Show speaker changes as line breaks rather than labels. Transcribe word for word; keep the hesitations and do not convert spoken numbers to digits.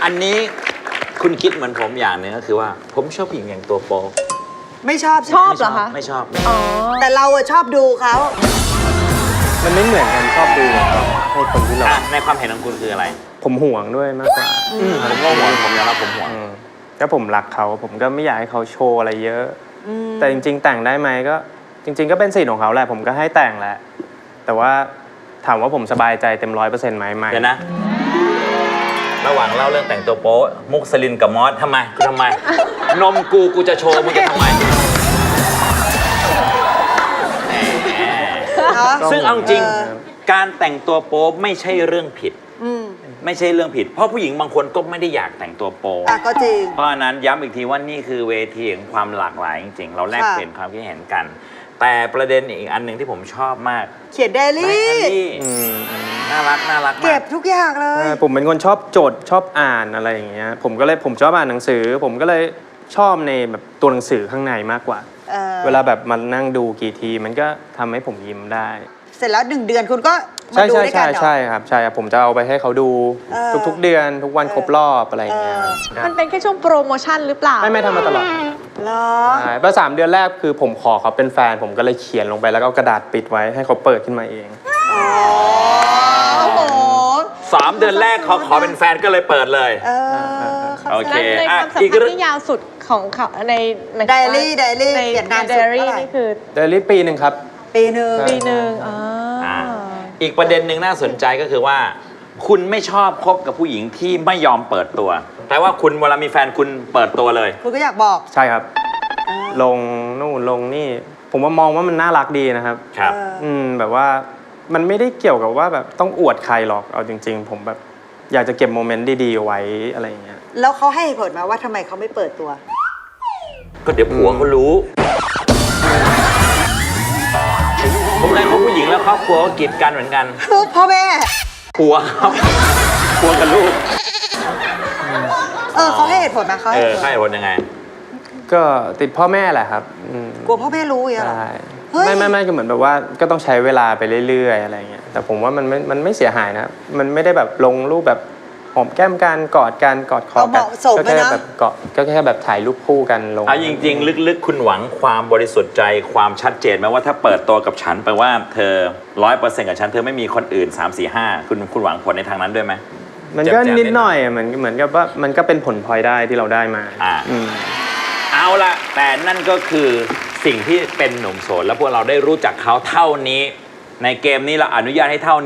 อันนี้คุณคิดเหมือนผมอย่างหนึงก็คือว่าผมชอบผู้หญิงอย่างตัวโป๊
ไม่ชอบ
ชอบเหรอคะ
ไม่ชอบ
อ๋อ
แต่เราอะชอบดูเขา
มันไม่เหมือนกันชอบดูให้คนที่เรา
อ่ะในความเห็นของคุณคืออะไร
ผมห่วงด้วยมากกว่า
อืมผมก็ห่วงผมยอมรับผมห่วง
อืมถ้าผมรักเขาผมก็ไม่อยากให้เขาโชว์อะไรเยอะ แต่จริง ๆ แต่งได้ไหมก็จริง ๆ ก็เป็นสิทธิ์ของเขาแหละผมก็ให้แต่งแหละ แต่ว่าถามว่าผมสบายใจเต็มร้อยเปอร์เซ็นต์ไหมไม่
เดี๋ยวนะ ระหว่างเล่าเรื่องแต่งตัวโป๊มุกสลินกับมอสทำไมกูทำไม นมกูกูจะโชว์มึงจะทำไม
เนาะ
ซึ่งเอาจริง
เออ
การแต่งตัวโป๊ไม่ใช่เรื่องผิด
อืม
ไม่ใช่เรื่องผิด เพราะผู้หญิงบางคนก็ไม่ได้อยากแต่งตัวโป๊
อ่ะก็จริง
เพราะฉะนั้นย้ำอีกทีว่านี่คือเวทีของความหลากหลายจริงๆ เราแลก
ค่ะ
เปลี่ยนความคิดเห็นกัน แต่ประเด็นอีกอันหนึ่งที่ผมชอบมาก
เขียนไดอา
ได
รี่
อารี่
อืมอืม
น่ารักน่ารัก
เก็
มา
บ
ก
ทุกอย่างเลย
ใช่ผมเป็นคนชอบจดชอบอ่านอะไรอย่างเงี้ยผมก็เลยผมชอบอ่านหนังสือ ผมก็เลยชอบในแบบตัวหนังสือข้างในมากกว่า
เออ
เวลาแบบมันนั่งดูกี่ทีมันก็ทำให้ผมยิ้มได้
เสร็จแล้วหนึ่งเดือนคุณก็มา
ใช่
ดู
ใช่
ด้วยกั
ใช่
นเหรอ
ใช่ครับใช่ครับผมจะเอาไปให้เขาดู
เออ
ทุกๆเดือนทุกวัน
เออ
ครบรอบอะไรอย่างเงี้ย
เออ
ครับ
มันเป็นแค่ช่วงโปรโมชั่นหรือเปล่า
ไม่ไม่ทำมาตลอด
เหรอ
ใช่เพราะสามเดือนแรกคือผมขอเขาเป็นแฟน ผมก็เลยเขียนลงไปแล้วก็เอากระดาษปิดไว้ให้เขาเปิดขึ้นมาเอง
อ๋อโอ้โห
สามเดือนแรกเขาขอเป็นแฟนก็เลยเปิดเลย
เออ
โอเค
และในค
อ่ะ
วามสัม
อีก
พัน
เรื่อง
ธ์ที่ยาวสุดของเขาในหมายถึง
ได
ว่า
อารี่ไดอารี่
ใน
เขียนนาน
ได
สุด
อารี่
เท่าไหร่
นี่คือ
เดลี่ปีหนึ่งครับ
ปีหนึ่ง
ใช่
ปีหนึ่งอ๋ออ
อ่า อีกประเด็นหนึ่งน่าสนใจก็คือว่า คุณไม่ชอบคบกับผู้หญิงที่ไม่ยอมเปิดตัว แต่ว่าคุณเวลามีแฟนคุณเปิดตัวเลย
คุณก็อยากบอก
ใช่ครับ ลงนู่นลงนี่ ผมว่ามองว่ามันน่ารักดีนะครับ
ครับ
เออ
อืมแบบว่ามันไม่ได้เกี่ยวกับว่าแบบต้องอวดใครหรอกเอาจริง ๆ ผมแบบอยากจะเก็บโมเมนต์ดีๆไว้อะไรอย่างเงี้ย
แล้วเขาให้เหตุผลมาว่าทำไมเขาไม่เปิดตัว
ก็เดี๋ยวผัวเขารู้ ผมเคยคบผู้หญิงแล้วครอบครัวก็กีดกันเหมือนกัน
พ่อแม่
ผัวครับผัวกับลูก
เออเขาให้เหตุผลมาเขา
เอ
ให้เห
อ
ตุผล
ใช่ผลยังไง
ก็ติดพ่อแม่แหละครับอืม
กลัวพ่อแม่รู้อย่างเงี้ยเหรอ
ใช่
เฮ้ย
ไม่ไม่ไม่ก็เหมือนแบบว่าก็ต้องใช้เวลาไปเรื่อยๆอะไรเงี้ยแต่ผมว่ามันไม่มันไม่เสียหายนะครับมันไม่ได้แบบลงรูปแบบหอมแก้มกันกอดกันกอดคอ
เอาเห
กัน
มาะสม
ก็
เลย
แค่
นะ
แบบเกาะก็แค่แบบถ่ายรูปคู่กันลง
เอาจริงๆ ลึกๆ คุณหวังความบริสุทธิ์ใจความชัดเจนไหมว่าถ้าเปิดตัวกับฉันแปลว่าเธอร้อยเปอร์เซ็นต์กับฉันเธอไม่มีคนอื่น สาม สี่ ห้า คุณคุณหวังผลในทางนั้นด้วยไหม
มันก็
แจ่มๆ
นิดหน่อยอะเหมือนเหมือนกับว่ามันก็เป็นผลพลอยได้ที่เราได้มา
อ่า
อืม
เอาละแต่นั่นก็คือสิ่งที่เป็นหนุ่มโสดแล้วพวกเราได้รู้จักเขาเท่านี้ ในเกมนี้เราอนุญาตให้เท่า